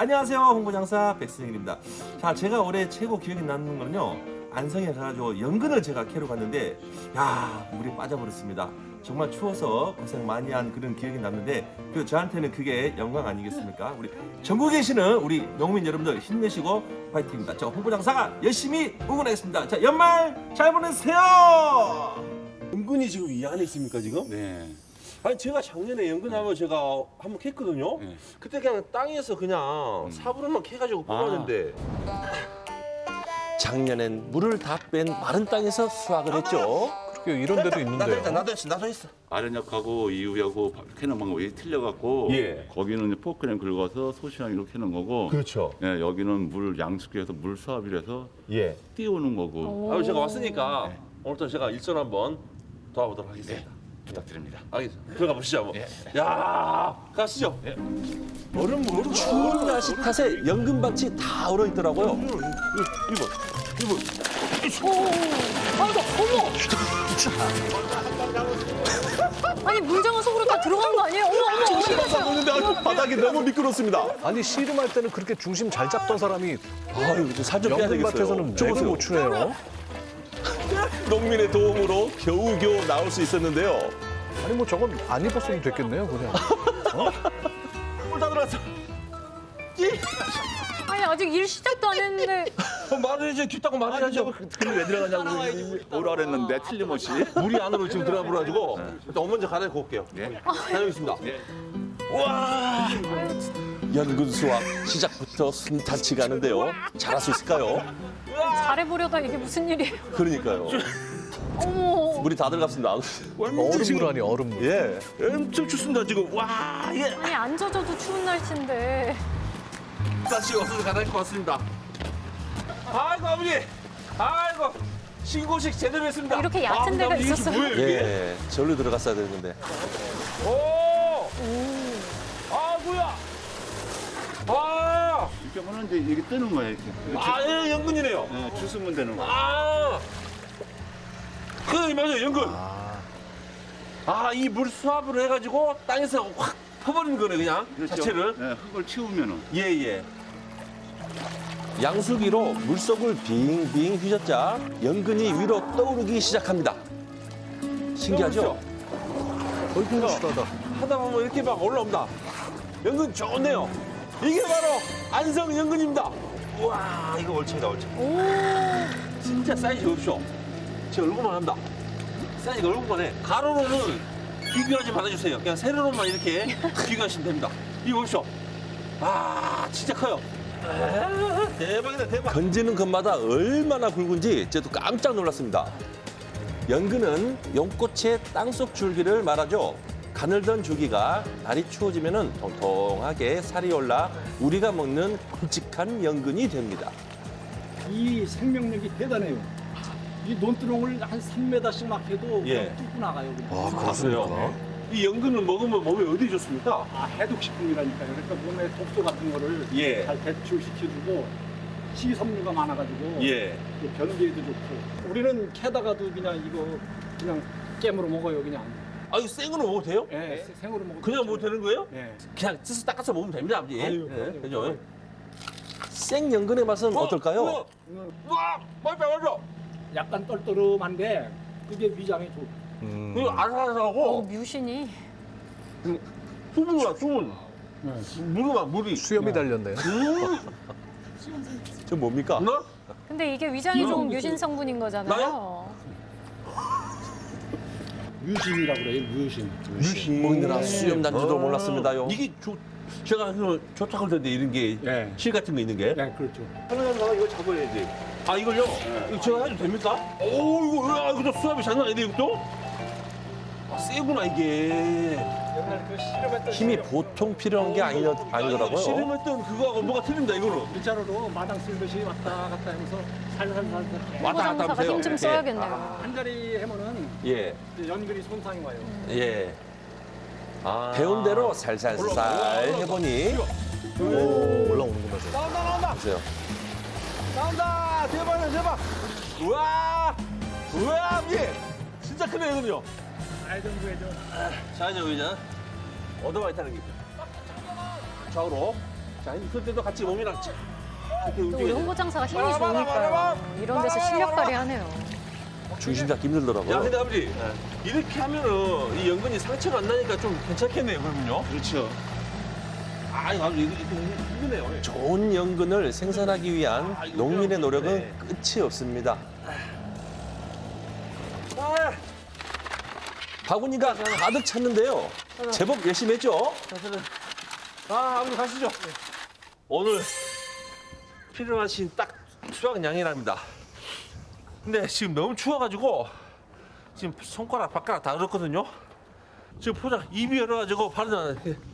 안녕하세요, 홍보장사 백승일입니다. 자, 제가 올해 최고 기억에 남는 거는요, 안성에 가가지고 연근을 제가 캐러 갔는데, 야, 물에 빠져버렸습니다. 정말 추워서 고생 많이 한 그런 기억이 남는데, 그 저한테는 그게 영광 아니겠습니까? 우리 전국에 계시는 우리 농민 여러분들 힘내시고 파이팅입니다. 저 홍보장사가 열심히 응원하겠습니다. 자, 연말 잘 보내세요. 연근이 지금 이 안에 있습니까, 지금? 네. 아니 제가 작년에 연근하면 제가 한번 캤거든요. 네. 그때 그냥 땅에서 그냥 사부로만 캐가지고 뽑았는데 작년엔 물을 다 뺀 마른 땅에서 수확을 했죠. 그렇게 이런 데도 있는데요. 나도 했어. 아련역하고 이유하고 캐는 방법이 틀려갖고 예. 거기는 이제 포크램 긁어서 소시향으로 캐는 거고 그렇죠. 예, 여기는 물 양숙해서 물 수압이라서 예. 띄우는 거고 아, 제가 왔으니까 오늘부터 제가 일전 한번 도와보도록 하겠습니다. 부탁드립니다. 알겠습니다. 들어가 보시죠. 뭐. 야, 가시죠. 얼음 추운 날씨 탓에 연근밭이 다 얼어 있더라고요. 이거. 아니 물장은 속으로 다 들어간 거 아니에요? 어머 어떻게 됐어요? 근데 바닥이 너무 미끄럽습니다. 아니 씨름할 때는 그렇게 중심 잘 잡던 사람이 아유, 살좀 빼야 되겠어요. 연근밭에서는 맥을 못 추네요. 농민의 도움으로 겨우겨우 나올 수 있었는데요. 아니 뭐 저건 안 입었으면 됐겠네요 그냥. 물 다 들어갔어. 아니 아직 일 시작도 안 했는데 말을 해줘, 춥다고 말을 해줘. 근데 왜 들어가냐고 오라 그랬는데 틀림없이. 물이 안으로 지금 들어가 버려가지고 일단 먼저 갈아입고 올게요. 네. 다녀오겠습니다. 와, 연근 수확 시작부터 순탄치가 않은데요. 잘할 수 있을까요? 잘해보려다 이게 무슨 일이에요? 그러니까요. 어머 물이 다 들어갔습니다. 얼음물 아니 얼음물. 예, 엄청 춥습니다 지금. 와, 이게 아니 안 젖어도 추운 날씨인데 다시 없어서 갈아입고 왔습니다. 아이고 아버지, 아이고 신고식 제대로 했습니다. 이렇게 얕은 데가 아버지, 이게 있었어요? 뭐예요, 이게? 예, 절로 들어갔어야 되는데. 오, 아 뭐야? 아, 이렇게 하면 이제 이게 뜨는 거야 이렇게. 예, 연근이네요. 네, 주스면 되는 거야. 아, 그 맞아요, 연근. 이 물 수압으로 해가지고 땅에서 확 퍼버리는 거네 그냥 그렇죠. 자체를. 네, 흙을 치우면은. 예. 양수기로 물속을 빙빙 휘젓자 연근이 위로 떠오르기 시작합니다. 신기하죠? 얼굴 시다다. 하다 보면 이렇게 막 올라옵니다. 연근 좋네요. 이게 바로 안성 연근입니다. 우와, 이거 올챙이다, 올챙이. 오 진짜 사이즈 없죠? 제 얼굴만 합니다. 사이즈가 얼굴만 해. 가로로는 비교하지 말아주세요. 그냥 세로로만 이렇게 비교하시면 됩니다. 이거 보십시오. 진짜 커요. 대박이다, 대박. 건지는 것마다 얼마나 굵은지 저도 깜짝 놀랐습니다. 연근은 연꽃의 땅속 줄기를 말하죠. 가늘던 줄기가 날이 추워지면 통통하게 살이 올라 우리가 먹는 굵직한 연근이 됩니다. 이 생명력이 대단해요. 이 논두렁을 한 3m씩 막 해도 예. 그냥 뚫고 나가요. 그냥. 그렇습니까? 이 연근을 먹으면 몸에 어디 좋습니까? 해독식품이라니까요. 그러니까 몸에 독소 같은 거를 예. 잘 배출시켜주고 식이섬유가 많아가지고 예. 또 변비에도 좋고. 우리는 캐다가도 그냥 이거 그냥 깨물어 먹어요. 그냥. 이거 생으로 먹어도 돼요? 예, 생으로 먹어도 그냥 먹어도 되는 거예요? 예. 그냥 찢어서 닦아서 먹으면 됩니다, 아버지. 아유, 예, 그럼요. 그죠? 생연근의 맛은 어떨까요? 와, 맞죠. 약간 떨떠름한데 그게 위장에 좋고. 이거 아삭아삭하고 뮤신이 수분이야, 수분. 물이. 수염이 달렸네요. 저 뭡니까? 나? 근데 이게 위장에 좋은 뮤신 성분인 거잖아요. 뮤신이라고 그래요. 뮤신. 먹느라 수염 난지도 몰랐습니다요. 이게 제가 좋다고 그러는데 이런 게 예. 실 같은 거 있는 게. 네, 그렇죠. 하나하나 이거 잡아야지. 이걸요? 이거 제가 해도 됩니까? 이것도 수압이 장난 아닌데 이것도? 세구나 이게. 옛날에 그 실험했던 힘이 보통 필요한 게 아니더라고요. 씨름했던 그거하고 뭐가 틀린다 이거는. 일자로로 마당 쓸듯이 왔다 갔다 하면서 살살살살 왔다 갔다 홍보장사가 하면서요. 힘 좀 예. 써야겠네요. 한 자리 해면은 예, 이제 연근이 손상이 와요. 예. 배운 대로 살살살 해보니 올라오는구나 저. 나온다. 보세요. 나온다. 대박이야 대박. 우와. 아버지. 진짜 크네 이거는요. 알던 구해죠. 자 이제 의자 얻어와 있다는 게 좌우로 자, 있을 때도 같이 몸이랑 쫙 이렇게 또 우리 움직여야 돼. 홍보장사가 힘이 좋으니까요. 이런 데서 실력 발휘하네요. 중심 잡기 힘들더라고요. 야, 근데 아버지 이렇게 하면은 이 연근이 상처가 안 나니까 좀 괜찮겠네요, 그러면요? 그렇죠. 아, 이거 힘드네요. 좋은 연근을 생산하기 위한 농민의 노력은 끝이 없습니다. 바구니가 가득 찼는데요. 제법 열심히 했죠? 아, 아버지 가시죠. 오늘 필요하신 딱 수확량이랍니다. 근데 지금 너무 추워가지고 지금 손가락, 발가락 다 얼었거든요. 지금 포장 입이 열어가지고 바로